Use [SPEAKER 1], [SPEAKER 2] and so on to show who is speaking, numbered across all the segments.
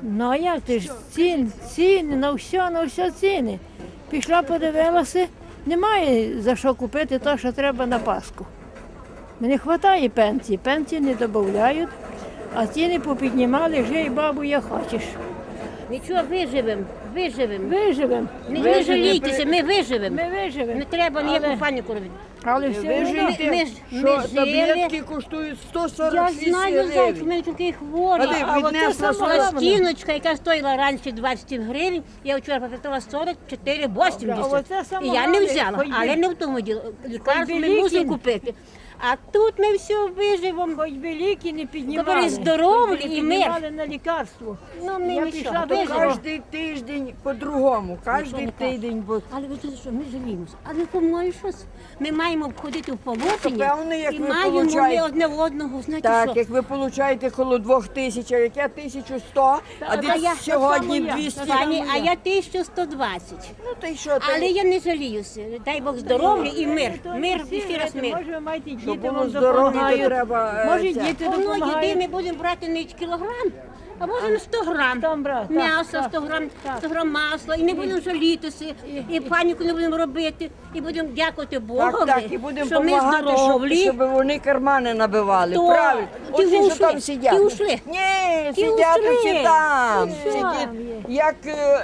[SPEAKER 1] Ну а як ти ж ціни, на все ціни. Пішла, подивилася, немає за що купити те, що треба на Пасху. Не вистачає пенсії не додають, а ціни попіднімали, жий, бабу, як хочеш.
[SPEAKER 2] Нічого, виживемо.
[SPEAKER 1] Виживемо.
[SPEAKER 2] Не жалійтеся, ми виживемо.
[SPEAKER 1] Ми виживемо.
[SPEAKER 2] Не треба ніяку паніку робити.
[SPEAKER 1] Але
[SPEAKER 3] Ви
[SPEAKER 1] все одно.
[SPEAKER 3] жиєте,
[SPEAKER 2] ми
[SPEAKER 3] що
[SPEAKER 2] жили.
[SPEAKER 3] таблетки коштують
[SPEAKER 2] Я
[SPEAKER 3] 146
[SPEAKER 2] знаю, зайчик,
[SPEAKER 3] гривень.
[SPEAKER 2] в мене такий хворий.
[SPEAKER 3] А ти віднесла
[SPEAKER 2] Пластиночка, яка стоїла раніше 27 гривень, я вчора попитала 44,80.
[SPEAKER 1] оце саме
[SPEAKER 2] І я не
[SPEAKER 1] головне,
[SPEAKER 2] взяла,
[SPEAKER 1] хоч
[SPEAKER 2] але
[SPEAKER 1] би-
[SPEAKER 2] не в тому діло. Лікарство ми
[SPEAKER 1] ліки.
[SPEAKER 2] мусимо купити. А тут ми все виживемо.
[SPEAKER 1] Хоч би ліки не піднімали.
[SPEAKER 2] Добре, здоров'я
[SPEAKER 1] хоч би не
[SPEAKER 2] і мир.
[SPEAKER 1] піднімали на лікарство.
[SPEAKER 2] Ну, ми
[SPEAKER 1] Я
[SPEAKER 2] нічого,
[SPEAKER 1] пішла до
[SPEAKER 2] виживемо.
[SPEAKER 3] Кожний тиждень по-другому, кожний
[SPEAKER 2] не так.
[SPEAKER 3] тиждень. Бо
[SPEAKER 2] Але ви знаєте, що ми жаліємося. Але помою щось. Ми маємо обходити в положення
[SPEAKER 3] То, певно, як
[SPEAKER 2] і
[SPEAKER 3] ви
[SPEAKER 2] маємо ми
[SPEAKER 3] получаєте-
[SPEAKER 2] одне одного. Знаєте
[SPEAKER 3] так,
[SPEAKER 2] що?
[SPEAKER 3] як ви получаєте коло 2000, а як я 1100, а
[SPEAKER 1] а
[SPEAKER 3] десь
[SPEAKER 1] я-
[SPEAKER 3] сьогодні
[SPEAKER 1] так само я.
[SPEAKER 3] 200.
[SPEAKER 2] Пані, а я 1120.
[SPEAKER 3] Ну то й що,
[SPEAKER 2] Але я не жаліюся. Дай Бог здоров'я і мир. Мир і ще раз мир.
[SPEAKER 1] Може, ви маєте діти,
[SPEAKER 3] Щоб було
[SPEAKER 1] вам
[SPEAKER 3] здоров'я, то
[SPEAKER 1] допомагають.
[SPEAKER 3] треба,
[SPEAKER 1] Може,
[SPEAKER 3] це.
[SPEAKER 1] діти
[SPEAKER 2] Воно їди
[SPEAKER 1] допомагають.
[SPEAKER 2] ми будемо брати не кілограм, а можемо 100 грам.
[SPEAKER 1] Там брати,
[SPEAKER 2] М'ясо,
[SPEAKER 1] так,
[SPEAKER 2] 100 грам,
[SPEAKER 1] так.
[SPEAKER 2] 100 грам масла. І не будемо жалітися, і паніку не будемо робити. І будемо дякувати Богу,
[SPEAKER 3] Так, і будемо
[SPEAKER 2] що ми
[SPEAKER 3] допомагати, щоб,
[SPEAKER 2] здорові.
[SPEAKER 3] щоб вони кармани набивали.
[SPEAKER 2] То,
[SPEAKER 3] Правильно.
[SPEAKER 2] ті
[SPEAKER 3] Оці,
[SPEAKER 2] ушли,
[SPEAKER 3] що там сидять.
[SPEAKER 2] ті ушли.
[SPEAKER 3] Ні,
[SPEAKER 2] Ті
[SPEAKER 3] сидять
[SPEAKER 2] ушли.
[SPEAKER 3] всі там.
[SPEAKER 2] Ті
[SPEAKER 3] Сидять,
[SPEAKER 1] є.
[SPEAKER 3] як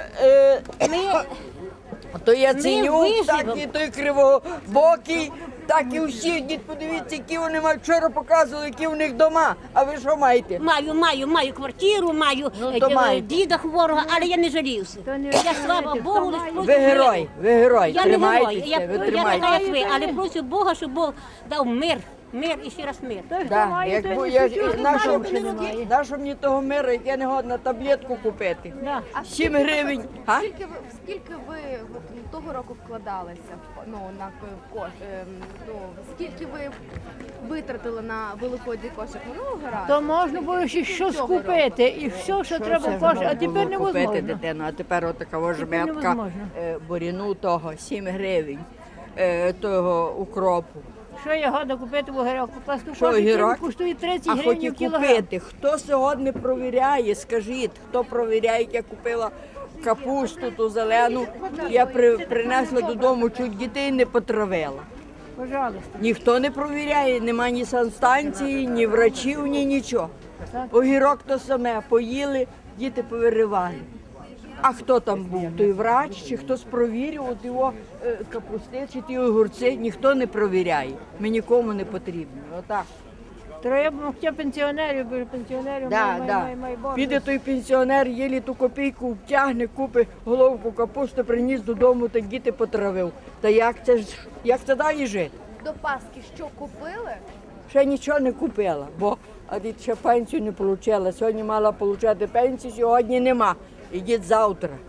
[SPEAKER 2] Ми
[SPEAKER 3] то Яценюк,
[SPEAKER 2] виживемо.
[SPEAKER 3] так і той Кривобокий, так і всі. Дід, подивіться, які вони мають. Вчора показували, які у них дома. А ви що маєте?
[SPEAKER 2] маю квартиру, маю
[SPEAKER 3] Ну, то маєте.
[SPEAKER 2] діда хворого, але я не жаліюся.
[SPEAKER 1] То не
[SPEAKER 2] Я, слава Богу, лиш
[SPEAKER 3] Ви герой, ви герой.
[SPEAKER 2] Я не герой,
[SPEAKER 3] Тримайтеся, ви
[SPEAKER 2] я така,
[SPEAKER 3] тримайтеся.
[SPEAKER 2] як ви, але прошу Бога, щоб Бог дав мир і ще раз мир.
[SPEAKER 1] Той, хто
[SPEAKER 3] Да,
[SPEAKER 1] має, той
[SPEAKER 3] якби
[SPEAKER 1] не
[SPEAKER 3] я
[SPEAKER 1] чуть-чуть
[SPEAKER 3] нащо
[SPEAKER 1] мало, що немає.
[SPEAKER 3] нащо мені того миру, як я не годна таблетку купити.
[SPEAKER 1] Да.
[SPEAKER 3] 7 гривень. А?
[SPEAKER 4] Скільки ви от, того року вкладалися ну, на скільки ви витратили на великодній кошик минулого разу?
[SPEAKER 1] То можна було ще щось
[SPEAKER 4] Цього
[SPEAKER 1] купити і все, що треба
[SPEAKER 3] Це
[SPEAKER 1] кошти, а
[SPEAKER 3] можна
[SPEAKER 1] тепер
[SPEAKER 3] було купити
[SPEAKER 1] невозможно.
[SPEAKER 3] дитину, а тепер отака жметка
[SPEAKER 1] невозможно.
[SPEAKER 3] буряну того, 7 гривень, того укропу.
[SPEAKER 1] Що я годна купити в огірок? Покласти в
[SPEAKER 3] Що,
[SPEAKER 1] кошик,
[SPEAKER 3] огірок?
[SPEAKER 1] він коштує 30
[SPEAKER 3] А хоч і
[SPEAKER 1] гривень кілограм.
[SPEAKER 3] купити. Хто сьогодні провіряє, скажіть, хто провіряє, як я купила капусту ту зелену, я принесла додому, чуть дітей не потравила.
[SPEAKER 1] Пожалуйста.
[SPEAKER 3] Ніхто не провіряє, нема ні санстанції, ні врачів, ні нічого.
[SPEAKER 1] Так.
[SPEAKER 3] Огірок то саме, поїли, діти повиривали. А хто там був? Той врач, чи хтось провірив, от його капусти, чи ті огурці, ніхто не провіряє. Ми нікому не потрібні. Отак.
[SPEAKER 1] Треба хоча пенсіонерів, бо пенсіонерів має борг.
[SPEAKER 3] Піде той пенсіонер, єлі ту копійку втягне, купить головку капусти, приніс додому, та діти потравив. Та як це далі жити?
[SPEAKER 4] До Пасхи що купили?
[SPEAKER 3] Ще нічого не купила, бо а дід ще пенсію не отримала. Сьогодні мала отримати пенсію, сьогодні нема. Ідіть завтра.